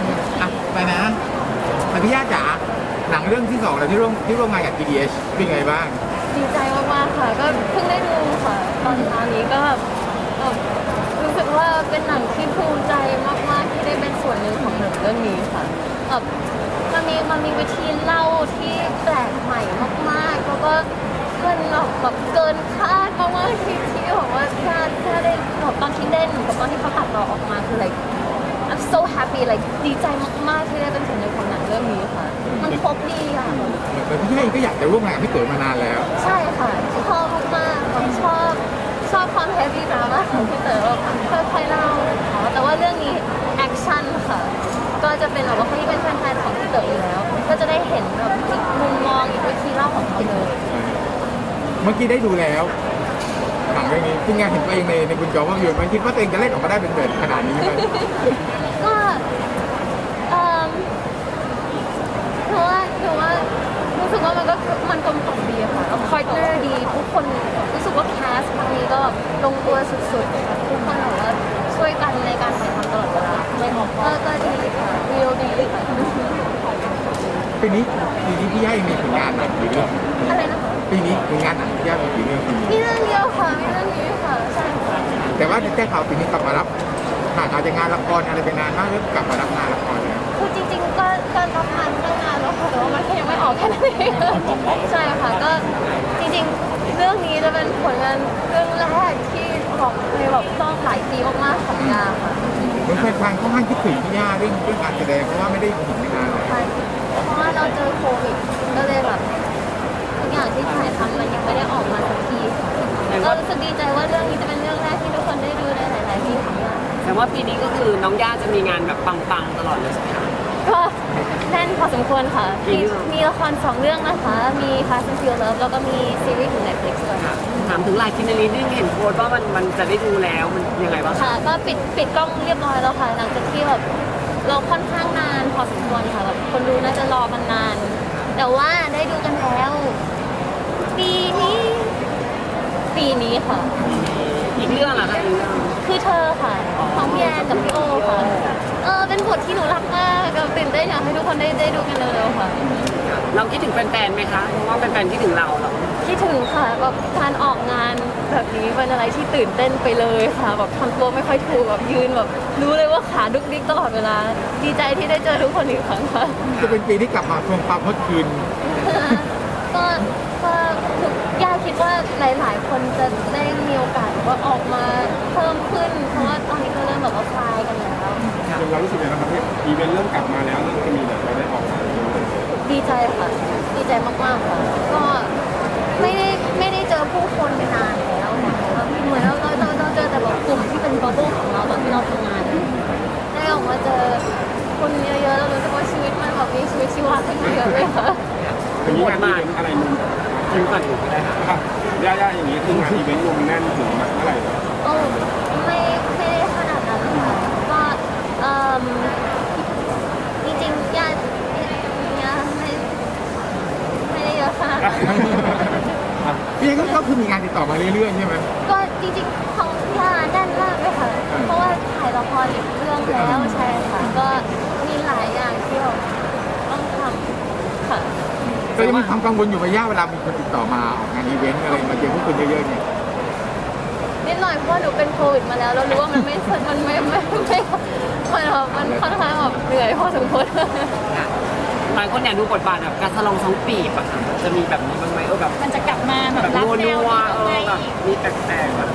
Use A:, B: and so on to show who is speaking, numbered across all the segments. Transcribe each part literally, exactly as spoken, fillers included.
A: อ่ะไปนะแต่พี่ย่าจ๋าหนังเรื่องที่สองแล้วที่ร่วมที่ร่วมงานกับ จี ดี เอช เป็นไงบ้าง
B: ดีใจมากๆค่ะก็เพิ่งได้ดูค่ะตอนเช้านี้ก็แบบรู้สึกว่าเป็นหนังที่ภูมิใจมากๆที่ได้เป็นส่วนหนึ่งของหนังเรื่องนี้ค่ะแบบมันมีมันมีวิธีเล่าที่แปลกใหม่มากๆแล้วก็มันแบบแบบเกินคาดมากๆที่ที่บอกว่าถ้าถ้าได้แบบตอนที่เล่นกับตอนที่เขาตัดต่อออกมาคือ like I'm so happy like ดีใจมากๆที่ได้เป็นส่วนหนึ่งของหนังเรื่องนี้ค่ะมันครบดีอ่ะ
A: แต่พี่ย่าเองก็อยากจะร่วมงานกับพี่เต๋อมานานแล้ว
B: ใช่ค่ะชอบมากๆผมชอบชอบความเฮฟวี่ดราม่าของพี่เต๋อค่อยๆเล่าแต่ว่าเรื่องนี้แอคชั่นค่ะก็จะเป็นแบบว่าคนที่เป็นแฟนๆของพี่เต๋ออยู่แล้วก็จะได้เห็นแบบอีกมุมมองอีกวิธีเล่าของเขาเลย
A: เมื่อกี้ได้ดูแล้วหนังเรื่องนี้เป็นไงเห็นตัวเองในในคุณจอภาพยนตร์มันคิดว่าตัวเองจะเล่นออกมาได้เป็นแบบขนาดนี้ไหม
B: ก็เอ่อถือว่าถือว่ารู้สึกว่ามันก็มันกลมกล่อมดีค่ะแล้วพาร์ทเนอร์ดีทุกคนรู้สึกว่าแคสครั้งนี้ก็ลงตัวสุดๆค่ะทุกคนแบบว่าช่วยกันในการถ่ายทำตลอดเวลาไม่ออกก็ก็ดีค่ะวิวดีค่ะ
A: ปีนี้ปีนี้พี่ย่าเองมีผลงานหนังกี่เรื่อง
B: อะไรนะคะ
A: ปีนี้ผลงานหนังพี่ย่ามีกี่เรื่อง
B: มีเรื่องเดียวค่ะมีเรื่องนี้ค่ะใช่ค่ะ
A: แต่ว่าแจ้งข่าวปีนี้กลับมารับห่างหายจากงานละครอะไรไปนานมากแล้วกลับมารับงานละครแล้ว
B: คือจริงๆก็ก็รับงานเรื่องงานแล้วค่ะแต่ว่ามันแค่ยังไม่ออกแค่นั้นเองใช่ค่ะก็จริงๆเรื่องนี้จะเป็นผลงานเรื่องแรกที่บอกในแบบต้องหลายปีมากๆของยาค่ะ
A: เหมือนแฟนๆค่อนข้างคิดถึงพี่ย่าเรื่องเรื่องการแสดงเพราะว่าไม่ได้เห็นนานเลย
B: ใช่เพราะว่าเราเจอโควิดก็เลยแบบทุกอย่างที่ถ่ายทำมันยังไม่ได้ออกมาสักทีค่ะก็รู้สึกดีใจว่าเรื่องนี้จะเป็นเรื่องแรกที่ทุกคนได้ดูในหลายๆปีของยา
C: แต่ว่าปีนี้ก็คือน้องย่าจะมีงานแบบปังๆตลอดเลยใช่ไหมคะ
B: ก็แน่นพอสมควรค่ะมีมีละครสองเรื่องนะคะมี Fast and Furious แล้วก็มีซีรีส์ของ Netflix ด้วยค่ะ
C: ถามถึงลายคินนารีนึงเห็นโพสต์ว่ามันมันจะได้ดูแล้วมันยังไงบ้าง
B: ค่ะก็ปิดปิดกล้องเรียบร้อยแล้วค่ะหลังจากที่แบบเราค่อนข้างนานพอสมควรค่ะแบบคนดูน่าจะรอกันนานแต่ว่าได้ดูกันแล้วปีนี้ปีนี้ค่ะ
C: อีกเรื่องอะคะอีกเรื่อง
B: คือเธอค่ะของพี่แอนกับพี่โอค่ะเออเป็นบทที่หนูรักมากกับตื่นเต้นอยากให้ทุกคนได้ได้ดูกันเร็วๆค่ะ
C: เราคิดถึงแฟนๆไหมคะเพราะว่าแฟนๆคิดถึงเราเหรอ
B: คิดถึงค่ะแบบการออกงานแบบนี้เป็นอะไรที่ตื่นเต้นไปเลยค่ะแบบทำตัวไม่ค่อยถูกแบบยืนแบบรู้เลยว่าขาดุกดิกตลอดเวลาดีใจที่ได้เจอทุกคนอีกครั้งค่ะ
A: จะเป็นปีที่กลับมาทวงความฮอตคืน
B: ก็ก็ย่าคิดว่าหลายๆคนจะได้มีโอกาสว่าออกมาเพิ่มขึ้นเพราะว่าตอนนี้ก็เริ่มแบบว่าคลายกันแล้ว
A: เรารู้สึกยังไงครับอีเวนต์เริ่มกลับมาแล้วเริ่มจะมีแบบเราได้ออกมา
B: ดีใจค่ะดีใจมากๆค่ะก็ไม่ได้ไม่ได้เจอผู้คนไปนานแล้วค่ะเหมือนเราเราเราเจอแต่แบบกลุ่มที่เป็นบับเบิ้ลของเราตอนที่เราทำงานได้ออกมาเจอคนเยอะๆแล้วรู้สึกว่าชีวิตมันแบบมีชีวิตชีวาขึ้นเยอะเลยค่ะ
A: อย่างนี้งานอีเวนต์อะไรนุ่มคิวกันอยู่ก็ได้ค่ะย่าๆอย่างนี้คืองานอีเวนต์นุ่มแน่นถึงเมื่อไหร่
B: โอ้ไม่ไม่ได้ขนาดนั้นค่ะก็เอ่อจริงๆย่าย่าไม่ไม่ได้เยอะขนาดนั้น
A: พี่ก็ก็คือมีงานติดต่อมาเรื่อยๆใช่ไหม
B: ก็จริงๆของย่าแน่นมากเลยค่ะเพราะว่าถ่ายละครอีกเรื่องแล้วใช่ค่ะก็มีหลายอย่างที่เราต้องทำค่ะ
A: ก็ยังมีความกังวลอยู่ระยะเวลามีคนติดต่อมาออกงานอีเวนต์อะไรมาเจอพวกคนเยอะๆเนี่ย
B: นิดหน่อยเพราะว่าหนูเป็นโควิดมาแล้วเรารู้ว่ามันไม่มันไม่ไม่ไม่มันแบบมันค่อนข้างแบบเหนื่อยพอสมควร
C: หลายคนอยากดูบทบาทแบบการสลองสองปีบอะค่ะจะมีแบบนี้บ้างไหมเออแบบ
B: มันจะกลับมาแบบ
C: รับแนวนี้เออแบบมีแปลกๆแบบ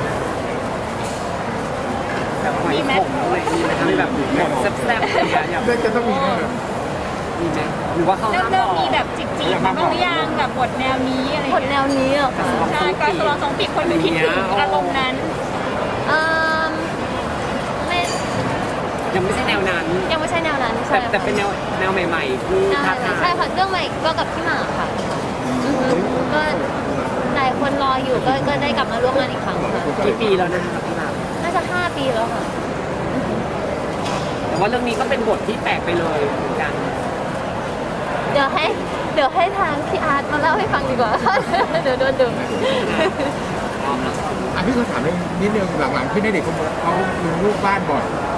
C: แบบหอยขมอะไรมีไหมคะแบบบทแซ่บๆอะไรอย่างเงี้ย
A: จะต้องมีแน่
C: มีไหมหรือว่าเขาห้ามบอก
B: มีแบบจิกจีมาบ้างหรือยังแบบบทแนวนี้อะไรบทแนวนี้อ่ะใช่การสลองสองปีคนดูคิดถึงอารมณ์นั้นเออไม่
C: ยังไม่ใช่แนวนั้น
B: ยังไม่ใช่แนวนั้นใช่
C: แต่เป็นแนวแนวใหม่ๆที่ท้าทาย
B: ใช่ค่ะเรื่องใหม่ก็กับพี่หมากค่ะก็หลายคนรออยู่ก็ก็ได้กลับมาร่วมงานอีกครั้งค่ะ
C: กี่ปีแล้วนะคะพี่หมาก
B: น่าจะห้าปีแล้วค่ะ
C: แต่ว่าเรื่องนี้ก็เป็นบทที่แปลกไปเลยเหมือนกัน
B: เดี๋ยวให้เดี๋ยวให้ทางพี่อาร์ตมาเล่าให้ฟังดีกว่าเดี๋ยวโดนดึง
A: อ่ะพี่เขาถามนิดนึงหลังๆพี่ณเดชน์เขาเขาลงรูปบ้านบ่อย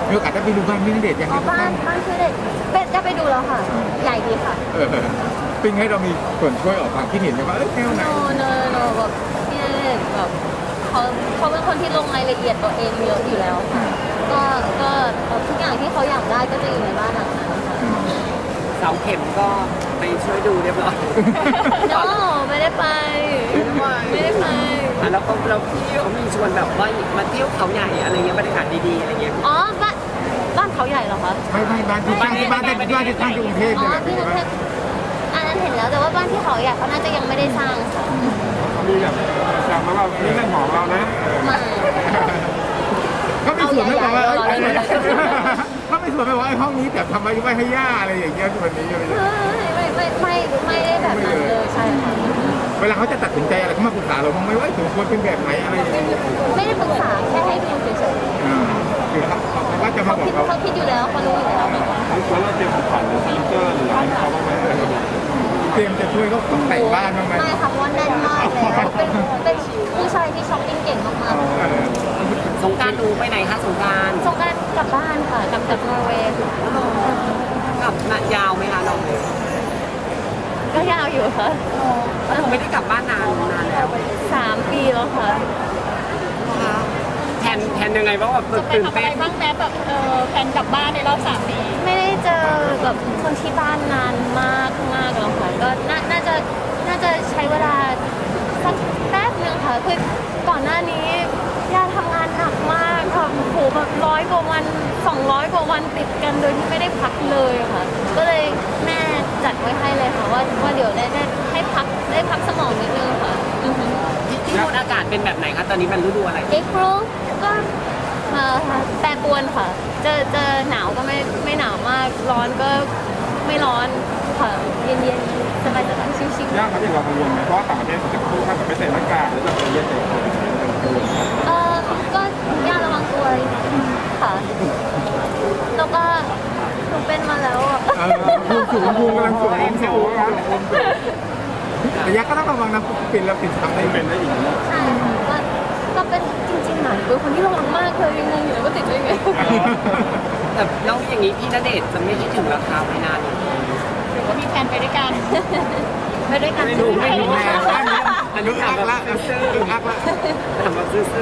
A: มีโอกาสได้ไปดูบ้านพี่ณเดชน์ยัง
B: อ๋
A: ไง
B: อบ้านบ้านคือเด็กเป็ดได้ไปดูแล้วค่ะ ใหญ่ดีค่ะ
A: เออปิ้งให้เรามีส่วนช่วยออกความคิดเห็นไหมว่าเออแนวไหน
B: โนโนโนแบบพี่ณเดชน์แบบเขาเขาเป็นคนที่ลงรายละเอียดตัวเองเยอะอยู่แล้วค่ะ ก็ก็เอ่อทุกอย่างที่เขาอยากได้ก็จะอยู่ในบ้านหลังนั้นค่ะ
C: เสาเข็มก็ไปช่วยดูเรียบร้อย
B: โนไม่ได้ไป ไม่ได้ไป
C: อ่ะแล้วก็เราพี่เขามีชวนแบบว่ามาเที่ยวเขาใหญ่อะไรเงี้ยบรรยากาศดีๆอะไรเงี้ย
B: อ๋อบ้านบ้านเขาใหญ่เหรอคะ
A: ไม่ไม่บ้านที่บ้านที่บ้านที่บ้านที่สร้างที่กรุงเทพ
B: อ๋
A: เนี่
B: อย
A: แหละ
B: ที่กรุงเทพอันนั้นเห็นแล้วแต่ว่าบ้านที่เขาใหญ่เขาน่าจะยังไม่ได้สร้างค่ะ
D: มีแบบจำมาว่านี่เรื่องของเรานะ
B: ไมา
A: เขาไม่ส่วนไม่บอกว่า
B: เอาใหญ่ๆเอาใหญ่ๆ
A: เขาไม่ส่วนไม่บอกไอ้ห้องนี้แต่ทำไมไม่ให้ย่าอะไรอย่างเงี้ยวันนี้อะไรอย่างเงี้ย
B: ไม่ไม่ไม่ไม่ได้แบบนั้นเลยใช่ค่ะ
A: เวลาเขาจะตัดสินใจอะไรเขามาปรึกษาเราบ้างไหมว่าถึงควรเป็นแบบไหนอะไรอย่างเงี้ย
B: ไม่ได้ปรึกษาแค่ให้ดูเฉย
A: อ่าคือเขาเขาก็จะ
B: ๆ
A: มา
B: เขา
A: บอ
B: คิ
A: ก
B: ด
A: เรา
B: เขาคิดอยู่แล้วเขารู้อยู่แล้ว
D: แล้วเราเตรียมของขวัญหรือสติ๊กเกอร์หรืออะไรให้เขาบ้างไหม
A: เตรียมจะช่วยเขาตกแต่งบ้านบ้างไหม
B: ไม่ค่ะเพราะว่าแน่นมากเลยแล้วเป็นเป็นผู้ชายที่ช้อปปิ้งเก่งมาก
A: เออ
C: สงกรารดูไปไหนคะสงกราร
B: ๆสงกรารกลับบ้านค่ะกลับจากนอร์เวย์ค่ะ
C: กลับมายาวไหมคะน้อง
B: ก็ยาวอยู่ค่ะ
C: หนูไม่ได้กลับบ้านนานนานแล้ว
B: สามปีแล้วค่ะ
C: นะคะแทนแทนยังไงบ้างแบบ
E: จะไป
C: ตื่น
E: ทำอะ
C: เต้
E: ไร
C: น
E: บ้างแม้แบบเออแฟนกลับบ้านในรอบสามปี
B: ไม่ได้เจอแบบคนที่บ้านนานมากมากแล้วค่ะก็น่าน่าจะน่าจะใช้เวลาสักแป๊บหนึ่งค่ะคือก่อนหน้านี้ย่าทำงานหนักมากค่ะโอ้โหแบบร้อยกว่าวันสองร้อยกว่าวันติดกันโดยที่ไม่ได้พักเลยค่ะ ก็เลยแม่จัดไว้ให้เลยค่ะว่าว่าเดี๋ยวได้ได้ให้พักได้พักสมองนิดนึงค่ะอือฮึ
C: ที่ที่นู่นอากาศเป็นแบบไหนคะตอนนี้มันฤดูอะไร
B: เอ็กโรก็เอ่อแปรปรวนค่ะ เจอเจอหนาวก็ไม่ไม่หนาวมาก ร้อนก็ไม่ร้อนค่ะ เย็นเย็นๆสบายสบายๆชิว
D: ยากครับที่เรากังวลไหมเพราะว่าต่างประเทศจะพูดถ้าแบบไม่ใส่หน้ากากหรือแบบเย็นใส่คนกังวลไหม
B: ๆเออก็ย่าระวังตัวค่ะ แล้วก็หนูเป็นมาแล้วอ่ะ
A: เออภูมิสูงภูมิกำลังสูงภูมิสูงแต่ยักษ์ก็ต้องระวังนะปิดแล้วปิดทำได้
D: ไม่
A: เป็
D: เป็น นได้อีกเนาะ
B: ใช่ค่ะก็ก็เป็นจริงๆหน่อยเป็นคนที่ระวังมากเลยยังงงอยู่เลยว่าติดได้ไง
C: แต่แล้วอย่างนี้พี่ณเดชน์จะไม่คิดถึงราคาไม่นาน
E: หรือว่ามีแฟนไปด้วยกัน
B: ไปด้วยกัน
C: ไม่รู้ไม่รู้
A: แม่
C: แม่
A: แม่
C: อันนี้ถามแบบ
A: ละ
C: ซื่อ
A: อึกอักละ
C: ๆถามแบบซื่อ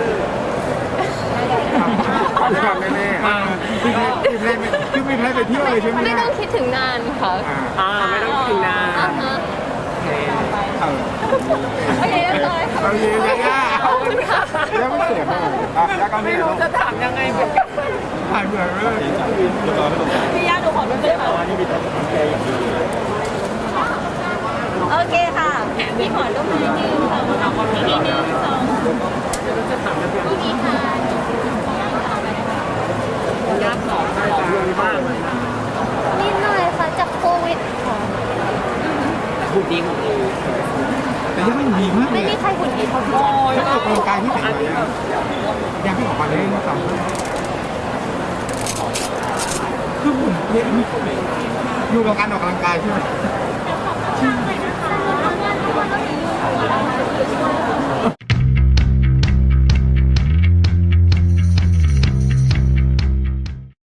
A: ทำแน่ๆอ่าคือแม่คือไม่แพ้ไปเที่ยวเลยใช่ไหม
B: ไม่ต้องคิดถึงนานค่ะ
A: อ่า
C: ๆอ่าไม่ต้องคิดถึงนาน
B: อ่าฮะ
C: โอเค
A: เออ
B: โอเคเรียบร้อยค่ะ
A: เอาเยอะๆย่า
B: ขอบคุณค่ะ
A: ยังไม่เสียเลย
D: อ่ะยากก็
C: ไม่
D: ไม่
C: รู้
D: รู้
C: จะถามยังไงเหมือนกัน
A: ผ่านเหนื่อยไปเลย
D: เรียบร้อยไม่ตรงกัน
E: พี่ย่าดูของด้วยเลยค่ะ
D: อันนี้มีแต่ของแกอย่างเดียว
B: โอเคค่ะ
E: มีขอรูปหนึ่งหนึ่งสองอีกทีหนึ่งสองรูปนี้ค่ะ
C: ยากสองสองเรื่องบ้างเลยนะ
B: นิดหน่อยค่ะจากโควิดค่ะ
C: หุ่นดีหุ่นดี
A: แต่ยังไม่ดีมากเล
B: ไม่
A: ย
B: มีใครหุ่นดีเท่าพี่
C: โอ้ย
A: ถ้าออกกำลังกายที่ไหนยังไม่ออกมาเลยนะสามคือผมเนี่ยอยู่กับการออกกำลังกายใช่ไหม
B: ทุกคนก็มีอยู่